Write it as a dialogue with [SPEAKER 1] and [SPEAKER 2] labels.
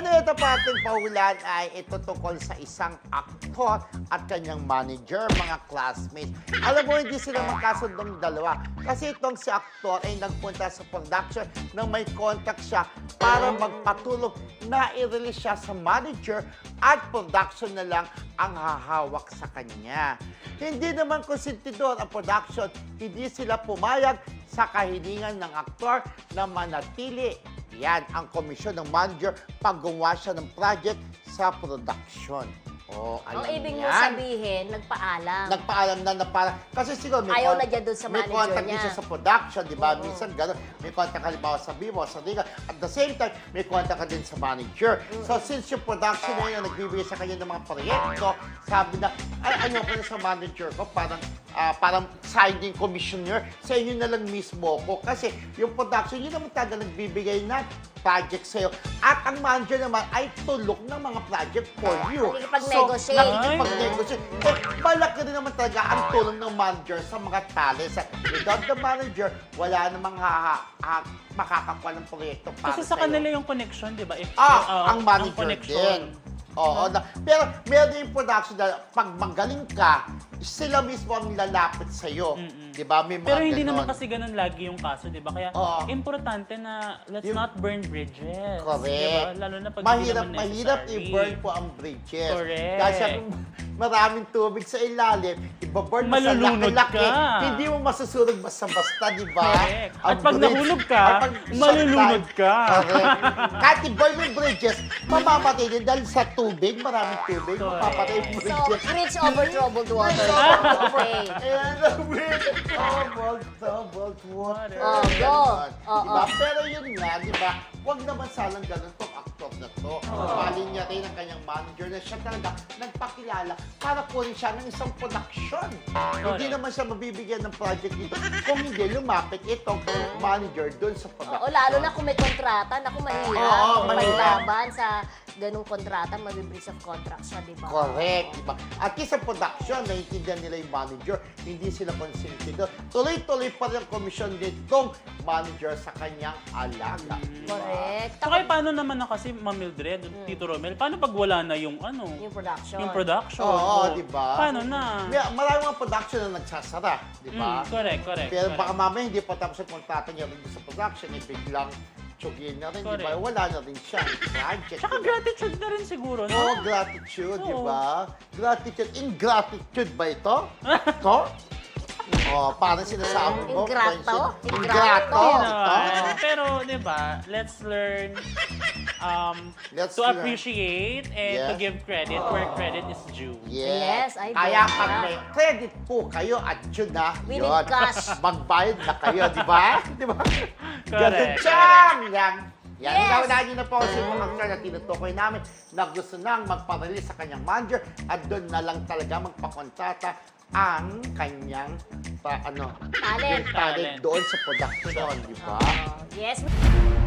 [SPEAKER 1] Pero ito pa ating paulan ay ito tungkol sa isang aktor at kanyang manager, mga classmates. Alam mo, hindi sila magkasundong dalawa. Kasi itong si aktor ay nagpunta sa production nang may contact siya para magpatulong na i-release siya sa manager at production na lang ang hahawak sa kanya. Hindi naman konsentidor ang production, hindi sila pumayag sa kahilingan ng aktor na manatili. Yan ang komisyon ng manager pag gumawa siya ng project sa production. Oh, alam
[SPEAKER 2] Ang ibig mo
[SPEAKER 1] yan.
[SPEAKER 2] sabihin, nagpaalam.
[SPEAKER 1] Nagpaalam na para kasi siguro may
[SPEAKER 2] Ayaw na dyan dun sa
[SPEAKER 1] may
[SPEAKER 2] manager
[SPEAKER 1] contact din
[SPEAKER 2] niya.
[SPEAKER 1] siya sa production, di ba?
[SPEAKER 2] Oo.
[SPEAKER 1] Minsan gano'n, may contact halimbawa sa Vivo, sa Liga. At the same time, may contact ka din sa manager. So since yung production na yun, nagbibigay sa kanya ng mga proyekto, sabi na, ay ayoko na sa manager ko, parang signing commissioner, sa inyo na lang mismo ko. Kasi yung production, yun naman talaga nagbibigay na project sa'yo. At ang manager naman ay tulok ng mga project for you.
[SPEAKER 2] Nakikipag-negotiate.
[SPEAKER 1] Nakikipag-negotiate. Eh, malaki rin naman talaga ang tulong ng manager sa mga talents. At without the manager, wala namang makakakuha ng proyekto para
[SPEAKER 3] Kasi sa
[SPEAKER 1] sa'yo.
[SPEAKER 3] kanila yung connection, di ba?
[SPEAKER 1] Ang manager din. Oo, pero meron yung production na pag magaling ka, sila mismo ang lalapit sa'yo. Di ba? May mga
[SPEAKER 3] Pero hindi
[SPEAKER 1] ganon.
[SPEAKER 3] naman kasi ganun lagi yung kaso, di ba? Kaya
[SPEAKER 1] Oo.
[SPEAKER 3] importante na let's not burn bridges.
[SPEAKER 1] Correct.
[SPEAKER 3] Di ba? Lalo na pag hindi naman
[SPEAKER 1] Mahirap
[SPEAKER 3] necessary.
[SPEAKER 1] i-burn po ang bridges.
[SPEAKER 3] Correct.
[SPEAKER 1] Dahil sa maraming tubig sa ilalim, ibaburn mo sa
[SPEAKER 3] Malulunod
[SPEAKER 1] laki-laki,
[SPEAKER 3] ka.
[SPEAKER 1] hindi mo masusunod basta-basta, di ba?
[SPEAKER 3] Correct.
[SPEAKER 1] Ang
[SPEAKER 3] At pag
[SPEAKER 1] bridge-
[SPEAKER 3] nahulog ka,
[SPEAKER 1] at pag
[SPEAKER 3] malulunod ka.
[SPEAKER 1] Correct. Kahit i-burn mo yung bridges, mamamatay din dahil sa tubig, maraming tubig,
[SPEAKER 3] Correct.
[SPEAKER 1] mapapatay yung
[SPEAKER 2] So,
[SPEAKER 1] bridges.
[SPEAKER 2] bridge over troubled water. Okay.
[SPEAKER 1] And the bridge troubled water.
[SPEAKER 2] Oh, go.
[SPEAKER 1] Diba? Pero yun nga, di ba? Huwag naman sanang ganun tong actor na to. Mali niya rin ang kanyang manager na siya talaga nagpakilala para kunin siya ng isang production. Hindi naman siya mabibigyan ng project dito kung hindi lumapit itong manager doon sa production.
[SPEAKER 2] Oo, lalo na kung may kontrata, naku, mahirap.
[SPEAKER 1] Oo,
[SPEAKER 2] Kung
[SPEAKER 1] mahirap.
[SPEAKER 2] paglaban sa ganung kontrata, mabibreach of contract siya, di ba?
[SPEAKER 1] Correct, di ba? At least sa production, naiintindihan nila yung manager, hindi sila consentidor. Tuloy-tuloy pa rin ang komisyon nitong manager sa kanyang alaga.
[SPEAKER 2] Correct.
[SPEAKER 3] So kaya paano naman na kasi Ma'am Mildred, Tito Romel, paano pag wala na yung
[SPEAKER 2] Yung production.
[SPEAKER 3] yung production?
[SPEAKER 1] Oo,
[SPEAKER 3] O,
[SPEAKER 1] di ba?
[SPEAKER 3] Paano na?
[SPEAKER 1] Maraming mga production na nagsasara, di ba?
[SPEAKER 3] Correct.
[SPEAKER 1] Pero baka mamaya hindi pa tapos ang kontrata niya rin sa production, eh biglang tsugin na rin, di ba?
[SPEAKER 3] Correct.
[SPEAKER 1] Wala na rin siya. Project.
[SPEAKER 3] Tsaka
[SPEAKER 1] di ba?
[SPEAKER 3] gratitude na rin siguro, no?
[SPEAKER 1] Oo, gratitude, di
[SPEAKER 3] Oo.
[SPEAKER 1] ba? Gratitude. Ingratitude ba ito? Ito? Oh, parang sinasabi mo.
[SPEAKER 2] Ingrato?
[SPEAKER 1] Ingrato?
[SPEAKER 3] Yun
[SPEAKER 1] Ito?
[SPEAKER 3] naman. Pero, di ba, let's learn
[SPEAKER 1] Let's
[SPEAKER 3] to
[SPEAKER 1] learn.
[SPEAKER 3] appreciate and to
[SPEAKER 1] Yes.
[SPEAKER 3] give credit where credit is due.
[SPEAKER 2] Yes, I
[SPEAKER 1] Kaya
[SPEAKER 2] bet.
[SPEAKER 1] pag may credit po kayo at yun na,
[SPEAKER 2] We
[SPEAKER 1] yun,
[SPEAKER 2] need cash.
[SPEAKER 1] magbayad na kayo, di ba? Di ba? Ganun
[SPEAKER 3] Correct,
[SPEAKER 1] siyang! Yan. Yan,
[SPEAKER 2] Yes.
[SPEAKER 1] unahin niyo na po si mga actor na tinutukoy namin na gusto nang magpa-release sa kanyang manager at doon na lang talaga magpakontrata ang kanyang
[SPEAKER 2] Talent.
[SPEAKER 1] talent doon sa production, di ba?
[SPEAKER 2] Yes.